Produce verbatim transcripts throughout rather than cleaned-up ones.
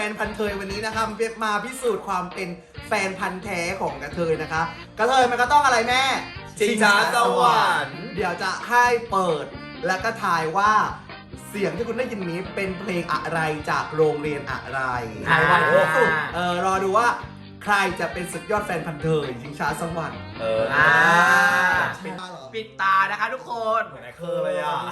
นพันธุ์เทยวันนี้นะคะมาพิสูจน์ความเป็นแฟนพันธุ์แท้ของกระเทยนะคะกระเทยมันก็ต้องอะไรแม่ชิงช้าสวรรค์เดี๋ยวจะให้เปิดแล้วก็ทายว่าเสียงที่คุณได้ยินนี้เป็นเพลงอะไรจากโรงเรียนอะไรทายวันที่สุดเออรอดูว่าใครจะเป็นสุดยอดแฟนพันธุ์เทยชิงช้าสวรรค์เอออ่าปิดปิดตานะคะทุกคนเหมือนไอ้เคอเลยอ่ะ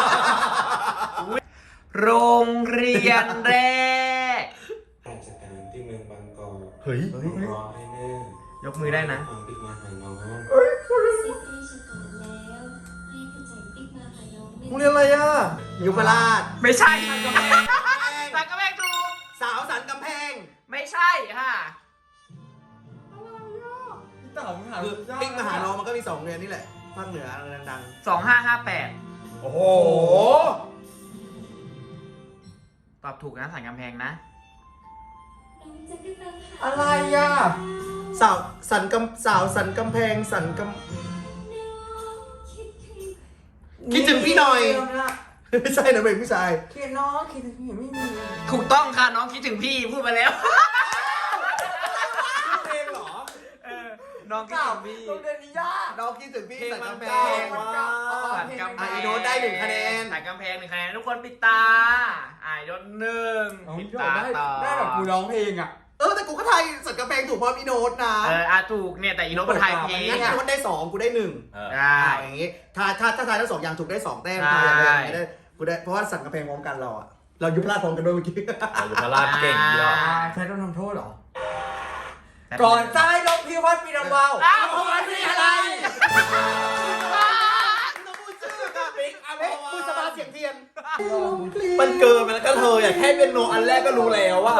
โรงเรียนแรกราชการที่เมืองบางกอกเฮ้ยรอให้เนิ่นยกมือได้นะฟังปิ๊กมาหาน้องโรงเรียนอะไรอ่ะยุพราชไม่ใช่สันกำแพงสันกำแพงถูกสาวสันกำแพงไม่ใช่ค่ะคือปิ๊กมาหาน้องมันก็มีสองโรงเรียนนี่แหละภาคเหนือดังๆสองห้าห้าแปดโอ้โหตอบถูกนะสันกำแพงนะอะไรอ่ะสาวสันกำสาวสันกำแพงสันกำคิดถึงพี่หน่อยไม่ใช่นะเบงพี่ชายคิดน้องคิดถึงพี่ไม่มีถูกต้องค่ะน้องคิดถึงพี่พูดไปแล้วเพลงเหรอเออน้องคิดถึงพี่โรงเรียนนี้ยากน้องคิดถึงพี่สันกำแพงสันกำแพงไอโดนได้หนึ่งคะแนนสันกำแพงหนึ่งคะแนนทุกคนปิดตาไอโดนหนึ่งปิดตาต่อได้แบบกูร้องเพลงอ่ะเออแต่กูก็ไทยสันกำแพงถูกเพราะอีโนตนะเอออาถูกเนี่ยแต่อีโนตเป็นไทยเพลงงั้นอีโนตได้สองกูได้หนึ่งได้อย่างงี้ถ้าถ้าถ้าทายทั้งสองอย่างถูกได้สองแต้มทายอย่างไรได้กูได้เพราะว่าสันกำแพงพร้อมกันเราอะเรายุพราชพร้อมกันด้วยเมื่อกี้ยุพราชเก่งเยอะใช้ต้องทำโทษหรอก่อนซ้ายลงพิวัตรปีนำเบาอ้าวพิวัตรปีอะไรคุณสบายเสียงเทียนมันเกินไปแล้วก็เธออยากแค่เป็นโนอันแรกก็รู้แล้วว่า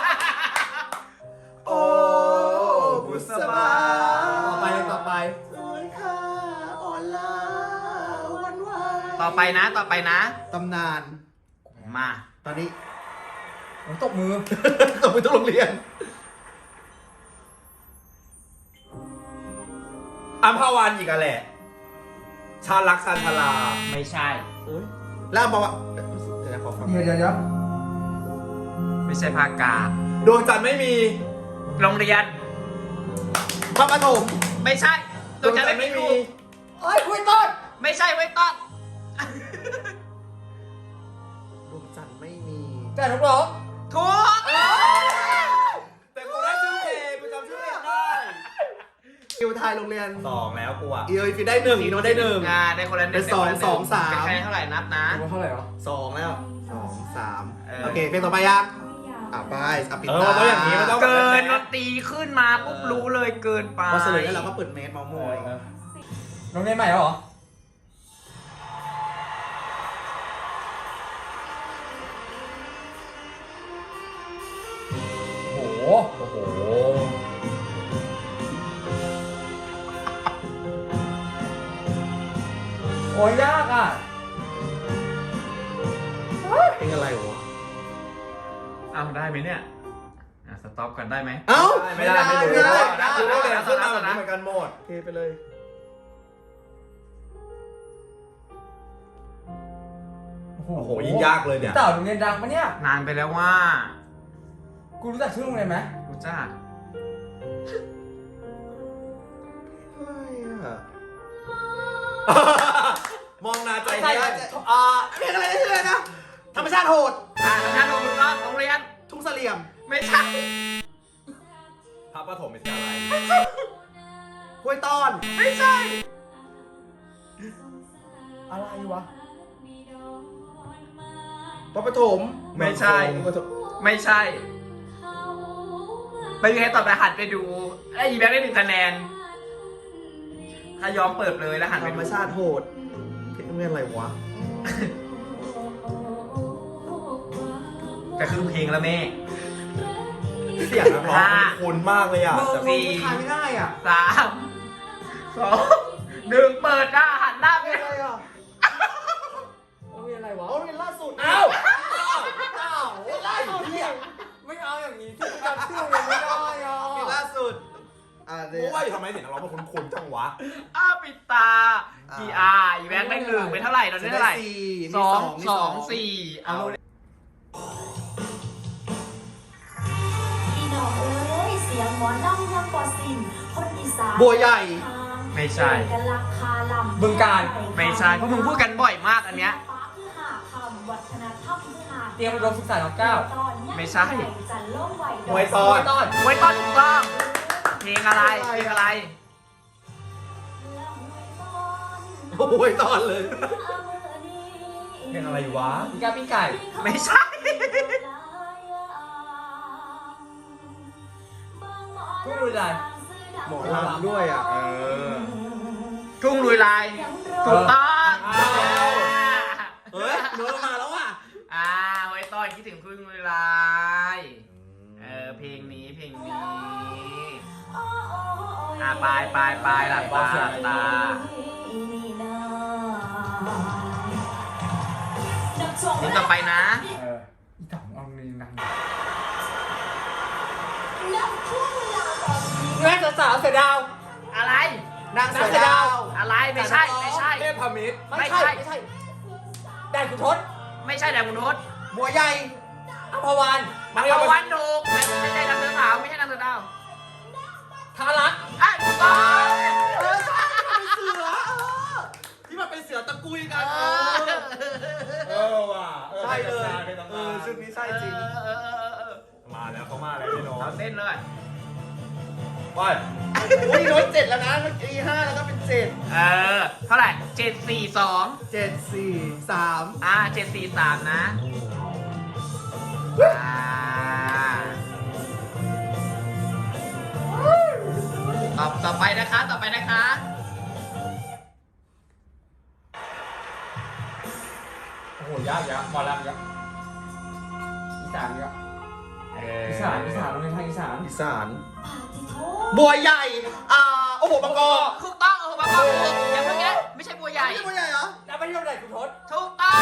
โอ้บุษบาต่อไปต่อไปสวยค่ะอ่อนล้าวันวานต่อไปนะต่อไปนะตำนานมาตอนนี้ผมตบมือตบมือทุกโรงเรียนอัมพวันอีกอะแหละชาลักซันทลาไม่ใช่แล้วบอกว่าเดี๋ยวเดี๋ยวเดี๋ยวไม่ใช่ภาคกาดวงจันทร์ไม่มีโรงเรียนพระปฐมไม่ใช่ดวงจันทร์ไม่มีเอ้ยคุยต้นไม่ใช่ไว้ต้นดวงจันทร์ไม่มีแต่ถูกหรอถูกแต่กูได้ชื่อเพลงกูจำชื่อเพลงได้คิวไทยโรงเรียนสองแล้วกูอ่ะอีโอฟีได้หนึ่งอีโนได้หนึ่งอ่าได้คนละหนึ่งเป็นสองสองสามเป็นคะแนนเท่าไหร่นับนะเท่าไหร่หรอสองแล้วสองสามโอเคเพลงต่อไปยังอ่ะไปอ่ะปิดตาต้องอย่างนี้มันต้องเกินดนตรีขึ้นมาปุ๊บรู้เลยเกินไปพอเสร็จแล้วเราก็เปิดเมสมอมอยโรงเรียนใหม่เหรอโอ้โหโอ้โหโอ้ยยากอ่ะเพลงอะไรวะอ้าวได้ไหมเนี่ยอ่ะสต็อปกันได้ไหมเอ้าไม่ได้ไม่ได้ไม่ได้นะคือได้เลยขึ้นมาแบบนี้เหมือนกันหมดโอเคไปเลยโอ้โหยิ่งยากเลยเนี่ยเต่าโรงเรียนดังปะเนี่ยนานไปแล้วว่ากูรู้จักชื่อโรงเรียนไหมรู้จักอะไรอ่ะมองนาใจได้อ่าเพลงอะไรชื่ออะไรนะธรรมชาติโหดอ่าธรรมชาติโหดถูกต้องโรงเรียนทุ่งเสลี่ยมไม่ใช่พระปฐมไม่ใช่อะไรห้วยต้อนไม่ใช่อะไรวะพระปฐมไม่ใช่ไม่ใช่ไม่มีใครตอบแต่หันไปดูไอ้อีแบ็คได้หนึ่งคะแนนถ้ายอมเปิดเลยแล้วหันไปธรรมชาติโหดเพลงอะไรวะก็คือเพลงแล้วแม่เสียงนักร้องคุ้นมากเลยอ่ะสี่ทายไม่ได้อ่ะสามสองหนึ่งเปิดหน้าหันหน้าไปเลยอ่ะโอ้ยอะไรวะโอ้ยล่าสุดอ้าวอ้าวล่าสุดเนี่ยไม่เอาอย่างนี้ที่จำชื่อเลยไม่ได้อ่ะล่าสุดอ่าเดี๋ยวว่าอยู่ทำไมเสียงนักร้องมันคุ้นๆจังวะอ้าปิดตากี่อ่าอีแบงค์ได้หนึ่งเป็นเท่าไหร่ตอนนี้เท่าไหร่สองสองสี่เอามอลำยังกว่าสิ้นคนอีสานบัวใหญ่ไม่ใช่กันราคาลำบึงกาฬไม่ใช่เพราะมึงพูดกันบ่อยมากอันเนี้ยคือหาคำวัฒนธรรมคือหาเตรียมอุดมศึกษาน้องเก้าไม่ใช่จันโล่งไหวมวยตอนต้อนไว้ต้อนถูกต้องเพลงอะไรเพลงอะไรโอ้ยตอนเลยเพลงอะไรวะมีกาปิ้งไก่ไม่ใช่ทุ่งลุยลายหมอลำด้วยอ่ะเออ ทุ่งลุยลายถูกต้องอ้าวเฮ้ยเนื้อมาแล้วอ่ะอ่าไว้ต้อนคิดถึงทุ่งลุยลาย เออเพลงนี้เพลงนี้อ่าปลายปลายปลายหลับตาหลับตา เพลงต่อไปนะเอออีต่องเอาเงินนังแม่สาวเสือดาวอะไรนางเสือดาวอะไรไม่ใช่ไม่ใช่เทพพมิตรไม่ไม่ใช่ใช่ไม่ใช่แดนคุณทศไม่ใช่แดงมุนทศบัวใหญ่อัมพวันมังกรวันถูกไม่ไม่ใช่นางเสือขาวไม่ใช่นางเสือดาวทารักอ่ะถูกต้องเออใช่เป็นเสือเออที่มันเป็นเสือตะกุยกันเอเอออเออว่ะใช่เลยเออชุดนี้ใช่จริงเออเออเออเออมาแล้วเขามาแล้วพี่น้องเอาเต้นเลยไปอุ้ยน้อยเจ็ดแล้วนะเมื่อกี้ห้าแล้วก็เป็นเจ็ดเออเท่าไหร่เจ็ดสี่สองเจ็ดสี่สามอ่าเจ็ดสี่สามนะอ่าต่อต่อไปนะคะต่อไปนะคะโอ้โหยากยากหมอลำยากอีสานยากเอออีสานอีสานโรงเรียนทางอีสานอีสาน บัวใหญ่ อ่า โอ้โหบางกอกถูกต้องเออมาบอกถูกอย่าเพิ่งแกไม่ใช่บัวใหญ่ไม่ใช่บัวใหญ่เหรอแล้วไปที่โรงเรียนคุณทศถูกต้อง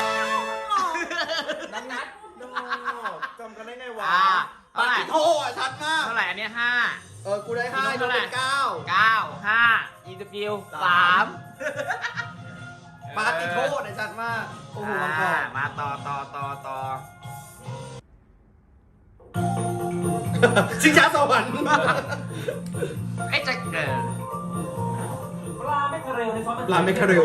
นัดนัดโน่จำกันได้ไงวะอ่าปาเท่าไหร่ติโทอ่ะชัดมากเท่าไหร่อันเนี้ยห้าเออ กูได้ห้าอีกยูเท่าไหร่เป็นเก้าเก้าห้าอีสกิลสามปาติโทเนี่ยชัดมาก โอ้โหบางกออ่าก มาต่อต่อต่อต่อชิงช้าสวรรค์ไอ้ยจะเกิดปลาไม่คาเรลในซอสปลาไม่คาเรล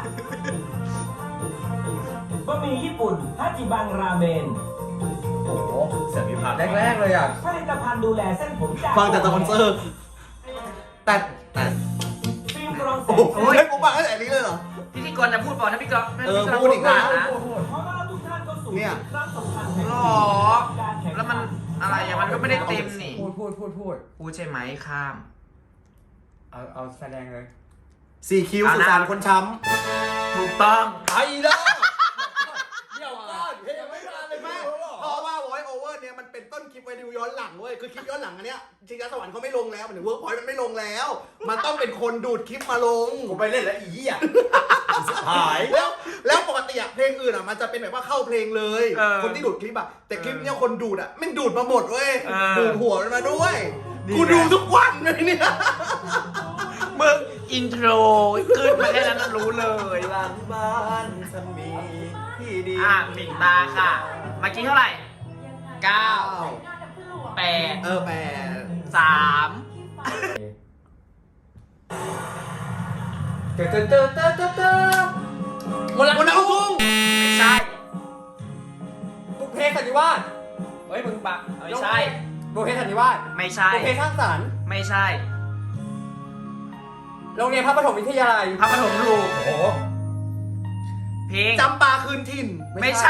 บะหมี่ญี่ปุ่นฮาจิบังราเมนโอ้โหเสียงพิพากแรกๆเลยอ่ะผลิตภัณฑ์ดูแลเส้นผมจากฟังแต่สปอนเซอร์ แต่แต่ฟิล์มกรองแสโอ้งโหเฮ้ยกูฟังตั้งแต่นี้เลยเหรอพิธีกรจะพูดบอกนะพี่กรณ์เออพี่กรณ์พูดอีกนะนะขอต้อนรับทุกท่านเข้าสู่เนี่ยครั้งสำคัญแห่งหรชีอวิตการแข่งขันแล้วมันอะไรอะมันก็ไม่ได้เต็มนี่พูดพูดพูดพูดพูดใช่ไหมข้ามเอาเอาแสดงเลยสี่คิวอ่ะสุนะสานคนช้ถูกต้องำไอ้เด้อเดี๋ยวก่อนเฮ้ยยังไม่มาเลยแม่แม่เพราะว่า voice over เนี่ยมันเป็นต้นคลิปไว้ดูย้อนหลังเว้ย คือคลิปย้อนหลังอันเนี้ยชิงช้าสวรรค์เขาไม่ลงแล้วมันถึงเวิร์กพอยต์มันไม่ลงแล้ว มันต้องเป็นคนดูดคลิปมาลงกูไปเล่นแล้วอีอ่ะหายแล้วแล้วปกติอะเพลงอื่นอะมันจะเป็นแบบว่าเข้าเพลงเลยเออคนที่ดูดคลิปอะแต่คลิปเนี้ยคนดูดอะไม่งดูดมาหมดเว้ยเออดูดหัวมันมาด้วยนี่กูไงดูทุกวันเลยเนี่ยมึงอินโทรขึ้นมาแค่นั้นนะรู้เลยหลังบ้านสมีที่ดีอ่ะปิดตาค่ะเมื่อกี้เท่าไหร่เก้าแปดเออแปดสามเตอเตอเตอเตอเตอเตอมนต์รักคนนักลูลูกกไม่ใช่บุพเพสันนิวาสเฮ้ยมึงปะไม่ใช่บุพเพสันนิวาสไม่ใช่บุพเพสร้างสรรค์ไม่ใช่โรงเรียนพระปฐมวิทยาลัยพระปฐมลูกโอ้โหเพลงจำปาคืนถิ่นไม่ใช่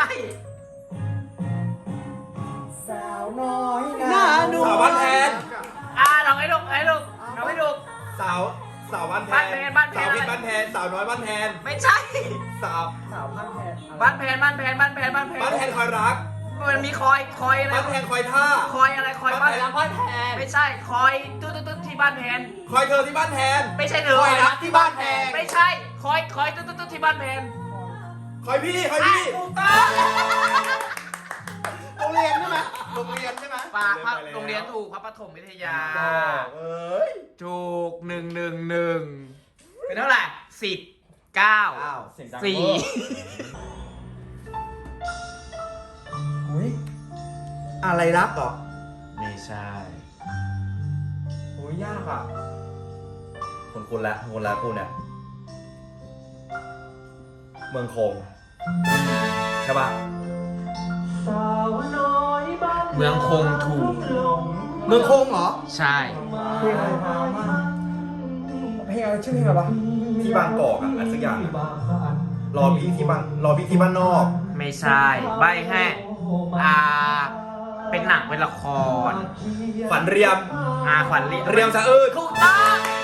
สาวน้อยหน้าหนุ่มสาวบ้านแพนอ่าลองให้ลูกให้ลูกลองให้ลูกสาวสาวบ้านแพบ้านแพนบ้านแพนสาวพิษบ้านแพนสาวน้อยบ้านแพนไม่ใช่สาวสาวบ้านแพนบ้านแพนบ้านแพนบ้านแพนบ้านแพนบ้านแพนคอยรักมันมีคอยคอยอะไรบ้านแพนคอยท่าคอยอะไรคอยบ้านแพนรักบ้านแพนไม่ใช่คอยตุ๊ดตุ๊ดตุ๊ดที่บ้านแพนคอยเธอที่บ้านแพนไม่ใช่เธอคอยรักที่บ้านแพงไม่ใช่คอยคอยตุ๊ดตุ๊ดตุ๊ดที่บ้านแพนคอยพี่คอยอ่ะพี่ถูกต้องโรงเรียนใช่ไหมโรงเรียนใช่ไหมปากพระโรงเรียนถูกพระปฐมวิทยาเอ้ยถูกหนึ่งหนึ่งหนึ่งเป็นเท่าไหร่สิบเก้าอ้าวเสียงดังสี่เวอร์อุ้ยอะไรรักเหรอไม่ใช่ยยากอ่ะคุณคุณละคุณละคุณเนี่ยเมืองคงใช่ปะเมืองคงถูกเมืองคงเหรอใช่เพลงอะไรพามากเพลงอะไรชื่อเพลงอะไรวะที่บางกอกอ่ะอะไรสักอย่างอะรอพี่ที่บางรอพี่ที่บ้านนอกไม่ใช่ ใบแห้อ่า เป็นหนังเป็นละครฝันเรียมอาขวัญเรียเรียมสะอื้นถูกต้อง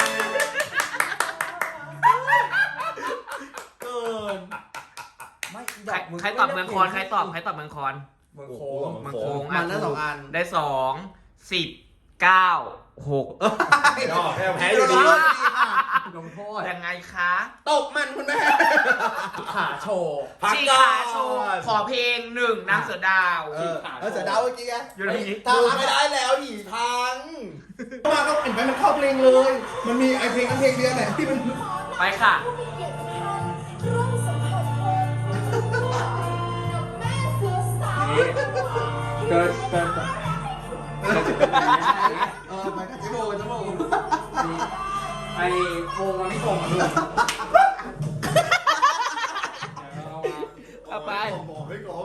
เกินไม่ใครใครตอบเมืองคอนใครตอบใครตอบเมืองคอนเมืองโอ้โคโหงเมืเมืออง งโคโคงงมันได้สองอันได้สองสิบเก้าหกนอกแพ้แพ้อยู่ดีลงโทษยังไงคะตบมันคุณแม่ขาโชว์พักชีก่อขาโชว์นขอเพลงหนึ่งนางเสือดาวเออเออเสือดาวเมื่อกี้ไงอยู่ในนี้ตาไม่ได้แล้วหีพังมาก็เห็นไหมมันเข้าเพลงเลย มันมีไอเพลงนั้นเพลงเดียวไหนที่มันไปค่ะผู้มีเกียรติทุกท่านร่วมสัมผัสกับแม่เสือสาวเกินเกินเออมันก็จะโบจะโบไอโคงมันไม่ตรงกันเลยเอาไปบอกไม่กลม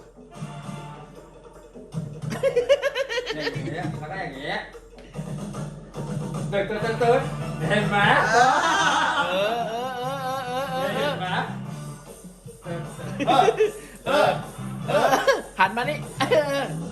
อย่างเงี้ยมันก็อย่างเงี้ยเติร์ดเติร์ดเติร์ดเห็นไหมเออเออเออเออเออเออเห็นไหมเออเออหันมานี่เออ